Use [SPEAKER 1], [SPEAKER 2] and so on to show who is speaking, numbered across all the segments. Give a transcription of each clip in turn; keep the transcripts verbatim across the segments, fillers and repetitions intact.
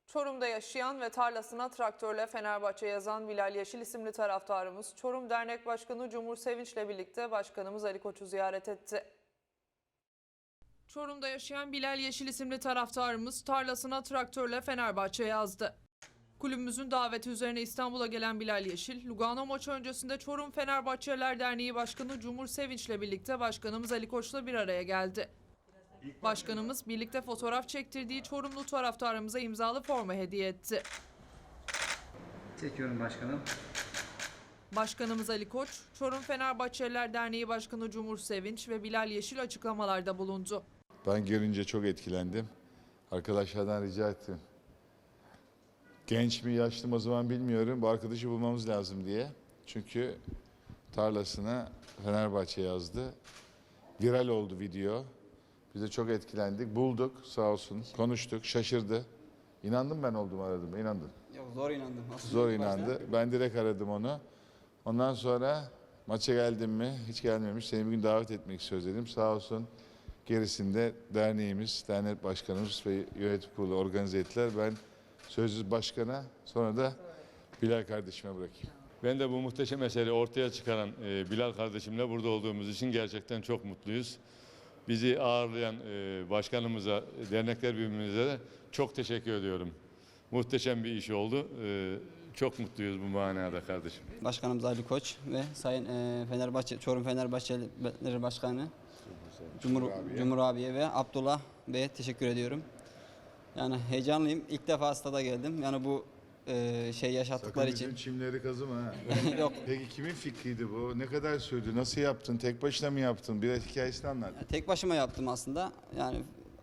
[SPEAKER 1] Çorum'da yaşayan ve tarlasına traktörle Fenerbahçe yazan Bilal Yeşil isimli taraftarımız Çorum Dernek Başkanı Cumhur Sevinç'le birlikte Başkanımız Ali Koç'u ziyaret etti. Çorum'da yaşayan Bilal Yeşil isimli taraftarımız tarlasına traktörle Fenerbahçe yazdı. Kulübümüzün daveti üzerine İstanbul'a gelen Bilal Yeşil, Lugano maçı öncesinde Çorum Fenerbahçeliler Derneği Başkanı Cumhur Sevinç'le birlikte Başkanımız Ali Koç'la bir araya geldi. Başkanımız birlikte fotoğraf çektirdiği Çorumlu taraftarımıza imzalı forma hediye etti.
[SPEAKER 2] Çekiyorum başkanım.
[SPEAKER 1] Başkanımız Ali Koç, Çorum Fenerbahçeliler Derneği Başkanı Cumhur Sevinç ve Bilal Yeşil açıklamalarda bulundu.
[SPEAKER 3] Ben görünce çok etkilendim. Arkadaşlardan rica ettim. Genç mi yaşlı mı o zaman bilmiyorum. Bu arkadaşı bulmamız lazım diye. Çünkü tarlasına Fenerbahçe yazdı. Viral oldu video. Biz de çok etkilendik. Bulduk sağ olsun. Konuştuk. Şaşırdı. İnandım ben oldum aradım. İnandım.
[SPEAKER 2] Yok zor inandım. Aslında
[SPEAKER 3] Zor
[SPEAKER 2] ilk başta.
[SPEAKER 3] inandı. Ben direkt aradım onu. Ondan sonra maça geldim mi? Hiç gelmemiş. Seni bir gün davet etmek istiyoruz dedim. Sağ olsun. Gerisinde derneğimiz, dernek başkanımız ve yönetim kurulu organize ettiler. Ben sözsüz başkana, sonra da Bilal kardeşime bırakayım.
[SPEAKER 4] Ben de bu muhteşem eseri ortaya çıkaran e, Bilal kardeşimle burada olduğumuz için gerçekten çok mutluyuz. Bizi ağırlayan e, başkanımıza, dernekler birbirimize de çok teşekkür ediyorum. Muhteşem bir iş oldu. E, çok mutluyuz bu manada kardeşim.
[SPEAKER 2] Başkanımız Ali Koç ve Sayın e, Fenerbahçe, Çorum Fenerbahçelileri Başkanı Cumhur,
[SPEAKER 3] abiye.
[SPEAKER 2] Cumhur abiye ve Abdullah Bey'e teşekkür ediyorum. Yani heyecanlıyım. İlk defa stada geldim. Yani bu e, şey yaşattıkları
[SPEAKER 3] Sakın
[SPEAKER 2] için.
[SPEAKER 3] çimleri kazıma ha.
[SPEAKER 2] Yok.
[SPEAKER 3] Peki kimin fikriydi bu? Ne kadar sürdü? Nasıl yaptın? Tek başına mı yaptın? Biraz hikayesini anlat.
[SPEAKER 2] Tek başıma yaptım aslında. Yani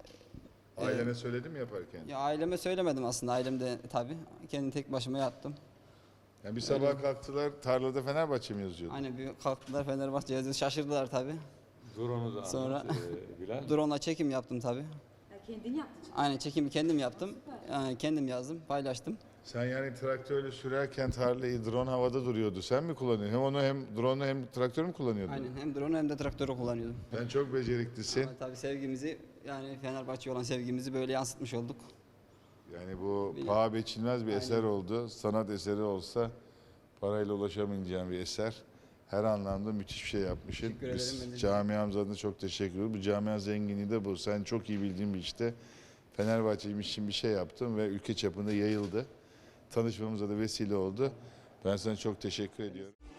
[SPEAKER 3] Ailene söyledin mi yaparken?
[SPEAKER 2] ya aileme söylemedim aslında. Ailem de tabii. Kendim tek başıma yaptım.
[SPEAKER 3] Yani bir sabah kalktılar, tarlada Fenerbahçe mi yazıyordu?
[SPEAKER 2] Aynen bir kalktılar Fenerbahçe yazıyor. Şaşırdılar tabii.
[SPEAKER 4] Drone'u da
[SPEAKER 2] Sonra-
[SPEAKER 4] anlat, e, Bilal.
[SPEAKER 2] Drone'la çekim yaptım tabii.
[SPEAKER 5] Ya kendin yaptın.
[SPEAKER 2] Aynen çekimi kendim yaptım. Yani kendim yazdım, paylaştım.
[SPEAKER 3] Sen yani traktörle sürerken tarlayı drone havada duruyordu. Sen mi kullanıyordun? Hem onu hem drone'u hem traktörü mü kullanıyordun?
[SPEAKER 2] Aynen hem drone hem de traktörü kullanıyordum.
[SPEAKER 3] Sen çok beceriklisin.
[SPEAKER 2] Ama tabii sevgimizi yani Fenerbahçe olan sevgimizi böyle yansıtmış olduk.
[SPEAKER 3] Yani bu
[SPEAKER 2] Bilmiyorum.
[SPEAKER 3] paha biçilmez bir
[SPEAKER 2] Aynen.
[SPEAKER 3] eser oldu. Sanat eseri olsa parayla ulaşamayacağım bir eser. Her anlamda müthiş bir şey yapmışsın.
[SPEAKER 2] Teşekkür ederim, ben
[SPEAKER 3] Biz
[SPEAKER 2] de-
[SPEAKER 3] camiamız adına çok teşekkür ediyoruz. Bu camia zenginliği de bu. Sen çok iyi bildiğin bir işte Fenerbahçe için bir şey yaptın ve ülke çapında yayıldı. Tanışmamıza da vesile oldu. Ben sana çok teşekkür ediyorum.